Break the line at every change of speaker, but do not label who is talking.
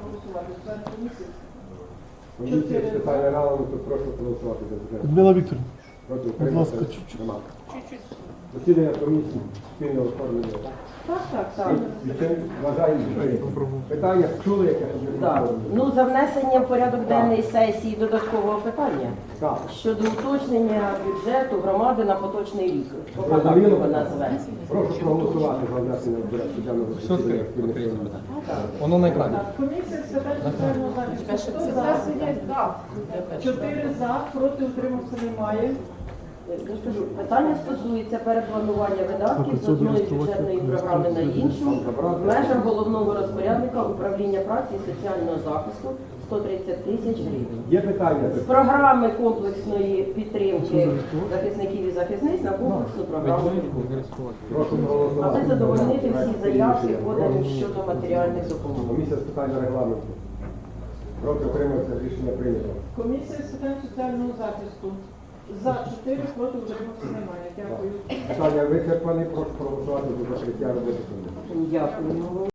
голосувати. Член комісії.
Комісія з питань регламенту, прошу проголосувати за бюджет.
Людмила Вікторівна,
Проти
будь
утримався?
ласка, чуть-чуть.
Нема. Засідання комісії спільно оформлення.
Так.
Вважаємо, питання чули, яке
Так. Ну, за внесення в порядок денний сесії додаткового питання
Так.
щодо уточнення бюджету громади на поточний рік. Поки так
Зрозуміло.
його назвемо.
Прошу проголосувати за внесення в порядку денного засідання спільних комісій.
Воно на екрані.
Так, комісія з питань соціального захисту. Хто за? 4 за, проти утримався немає.
Я ж кажу, питання стосується перепланування видатків з одної бюджетної програми на іншу в межах головного розпорядника управління праці і соціального захисту 130 тисяч гривень.
Є питання?
З програми комплексної підтримки захисників і захисниць на комплексну програму підтримки.
Прошу
Аби
проголосувати.
задовольнити всі заявки, подані щодо матеріальних допомог.
Комісія з питань регламенту. Проти утримався, рішення прийнято.
Комісія з питань соціального захисту. За 4, проти утримався немає. Дякую.
Питання вичерпані, прошу проголосувати за закриття роботи комісії.
Дякую.